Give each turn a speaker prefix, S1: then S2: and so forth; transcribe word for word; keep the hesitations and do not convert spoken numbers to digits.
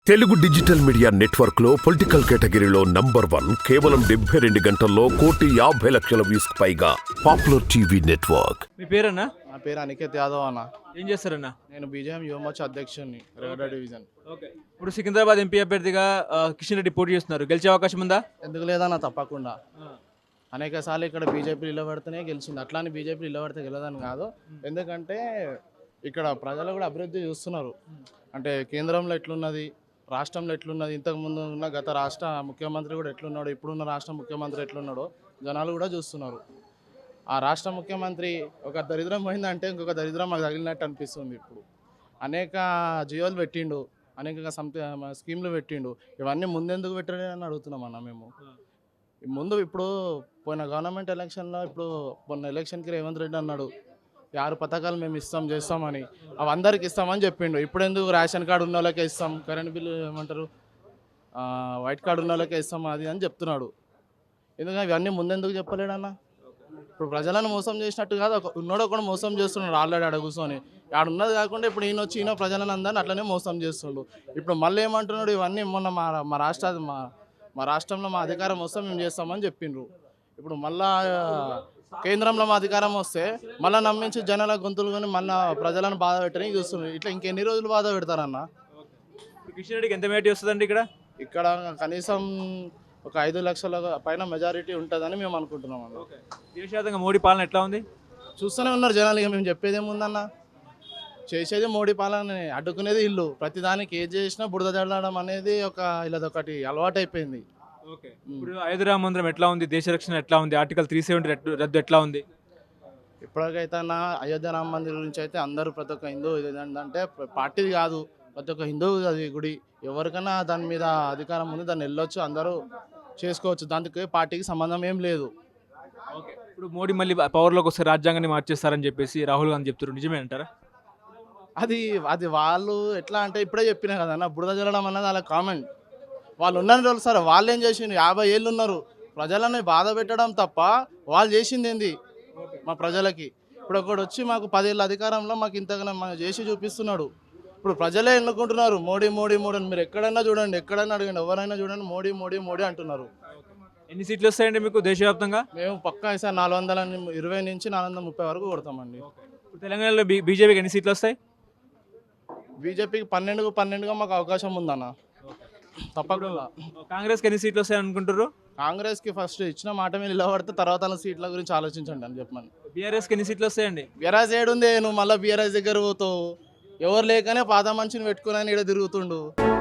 S1: Telugu digital media network లో political కేటగిరీలో number one కేవలం డెబ్బై రెండు గంటల్లో కోటి యాభై లక్షల వ్యూస్ పైగా పాపులర్ టీవీ నెట్వర్క్.
S2: మీ పేరన్నా?
S3: నా పేరు అనికేత్ యాదవ్ అన్న.
S2: ఏం చేస్తారన్నా?
S3: నేను బీజేఎం యువమోర్చా అధ్యక్షుడిని రేవడ డివిజన్.
S2: ఓకే. ఇప్పుడు సికింద్రాబాద్ ఎంపీ అభ్యర్థిగా ఆ, కిషన్ రెడ్డి పోటీ చేస్తున్నారు. గెలిచే అవకాశం ఉందా?
S3: ఎందుకు లేదన్న, తప్పకుండా. అనేక సార్లు ఇక్కడ బీజేపీ నిలబడితేనే గెలిచింది, అట్లా అని బీజేపీ నిలబడితే గెలదని కాదు. ఎందుకంటే ఇక్కడ ప్రజలు కూడా అభివృద్ధి చూస్తున్నారు. అంటే కేంద్రంలో ఎట్లున్నది, రాష్ట్రంలో ఎట్లున్నది, ఇంతకుముందు ఉన్న గత రాష్ట్ర ముఖ్యమంత్రి కూడా ఎట్లున్నాడు, ఇప్పుడున్న రాష్ట్ర ముఖ్యమంత్రి ఎట్లున్నాడో జనాలు కూడా చూస్తున్నారు. ఆ రాష్ట్ర ముఖ్యమంత్రి ఒక దరిద్రం పోయిందంటే ఇంకొక దరిద్రం మాకు తగిలినట్టు అనిపిస్తుంది. ఇప్పుడు అనేక జియోలు పెట్టిండు, అనేక సంథ స్కీమ్లు పెట్టిండు. ఇవన్నీ ముందెందుకు పెట్టాడు అని అడుగుతున్నాం అన్న మేము. ముందు ఇప్పుడు పోయిన గవర్నమెంట్ ఎలక్షన్లో, ఇప్పుడు మొన్న ఎలక్షన్కి రేవంత్ రెడ్డి అన్నాడు ఈ ఆరు పథకాలు మేము ఇస్తాం చేస్తామని, అవి అందరికి ఇస్తామని చెప్పిండు. ఇప్పుడు ఎందుకు రేషన్ కార్డు ఉన్న వాళ్ళకే ఇస్తాం, కరెంట్ బిల్లు ఏమంటారు వైట్ కార్డు ఉన్న వాళ్ళకే ఇస్తాం అది అని చెప్తున్నాడు. ఎందుకంటే ఇవన్నీ ముందెందుకు చెప్పలేడన్న? ఇప్పుడు ప్రజలను మోసం చేసినట్టు కాదు, ఒక ఉన్నోడు కూడా మోసం చేస్తున్నాడు ఆల్రెడీ ఆడ కూర్చొని. ఆడ ఉన్నది కాకుండా ఇప్పుడు ఈయన వచ్చి ఈయన ప్రజలను అందరినీ అట్లనే మోసం చేస్తుండు. ఇప్పుడు మళ్ళీ ఏమంటున్నాడు, ఇవన్నీ మొన్న మా మా రాష్ట్ర మా మా రాష్ట్రంలో మా అధికారం వస్తే మేము చేస్తామని చెప్పిండ్రు. ఇప్పుడు మళ్ళా కేంద్రంలో మా అధికారం వస్తే మళ్ళీ నమ్మించి జనాల గొంతులు కొని మళ్ళీ ప్రజలను బాధ పెట్టడానికి చూస్తున్నారు. ఇట్లా ఇంకెన్ని రోజులు బాధ పెడతారన్న?
S2: కిషన్ రెడ్డికి ఎంత మెజారిటీ వస్తుందండి ఇక్కడ?
S3: ఇక్కడ కనీసం ఒక ఐదు లక్షల పైన మెజారిటీ ఉంటుందని మేము అనుకుంటున్నాం అన్న.
S2: దేశవ్యాప్తంగా మోడీ పాలన ఎట్లా ఉంది?
S3: చూస్తూనే ఉన్నారు జనాలు. ఇక మేము చెప్పేది ఏముందన్న, చేసేది మోడీ పాలన, అడ్డుకునేది ఇల్లు. ప్రతిదానికి ఏది చేసినా బురద జల్లడం అనేది ఒక ఇలాదొకటి అలవాటు అయిపోయింది.
S2: ఓకే. ఇప్పుడు అయోధ్య మందిరం ఎట్లా ఉంది, దేశ రక్షణ ఎట్లా ఉంది, ఆర్టికల్ త్రీ సెవెంటీ రద్దు ఎట్లా ఉంది?
S3: ఇప్పటికైతే నా అయోధ్య రామ మందిర్ గురించి అయితే అందరూ ప్రతి ఒక్క హిందూ ఇది ఏంటంటే పార్టీది కాదు, ప్రతి ఒక్క హిందూ అది గుడి. ఎవరికైనా దాని మీద అధికారం ఉంది, దాన్ని వెళ్ళొచ్చు, అందరూ చేసుకోవచ్చు, దానికి పార్టీకి సంబంధం ఏం లేదు.
S2: ఓకే. ఇప్పుడు మోడీ మళ్ళీ పవర్లోకి వస్తే రాజ్యాంగాన్ని మార్చేస్తారని చెప్పేసి రాహుల్ గాంధీ చెప్తున్నారు, నిజమే అంటారా?
S3: అది అది వాళ్ళు ఎట్లా అంటే ఇప్పుడే చెప్పినా కదన్న, బురద జల్లడం అన్నది వాళ్ళ కామెంట్. వాళ్ళు ఉన్నది రోజులు సార్, వాళ్ళు ఏం చేసిండు, యాభై ఏళ్ళు ఉన్నారు, ప్రజలని బాధ పెట్టడం తప్ప వాళ్ళు చేసింది ఏంది మా ప్రజలకి? ఇప్పుడు ఒకటి వచ్చి మాకు పదేళ్ళ అధికారంలో మాకు ఇంతగానో మనం చేసి చూపిస్తున్నాడు. ఇప్పుడు ప్రజలే ఎన్నుకుంటున్నారు మోడీ మోడీ మోడీ అని. మీరు ఎక్కడైనా చూడండి, ఎక్కడైనా అడగండి, ఎవరైనా చూడండి, మోడీ మోడీ మోడీ అంటున్నారు.
S2: ఎన్ని సీట్లు వస్తాయండి మీకు దేశవ్యాప్తంగా?
S3: మేము పక్కా ఈసారి నాలుగు వందల ఇరవై నుంచి నాలుగు వందల ముప్పై వరకు కొడతామండి.
S2: ఇప్పుడు తెలంగాణలో బీ బీజేపీకి ఎన్ని సీట్లు వస్తాయి?
S3: బీజేపీకి పన్నెండుకు పన్నెండుగా మాకు అవకాశం ఉందన్న, తప్పకుండా.
S2: కాంగ్రెస్కి ఎన్ని సీట్లు వస్తాయి అనుకుంటారు?
S3: కాంగ్రెస్కి ఫస్ట్ ఇచ్చిన మాట మీద నిలబడితే తర్వాత వాళ్ళ సీట్ల గురించి ఆలోచించండి అని చెప్పమని.
S2: బీఆర్ఎస్కి ఎన్ని సీట్లు వస్తాయండి?
S3: బీఆర్ఎస్ ఏడుంది, నువ్వు మళ్ళీ బీఆర్ఎస్ దగ్గర పోతావు. ఎవరు లేకనే పాత మనిషిని పెట్టుకుని ఈడ తిరుగుతుండు.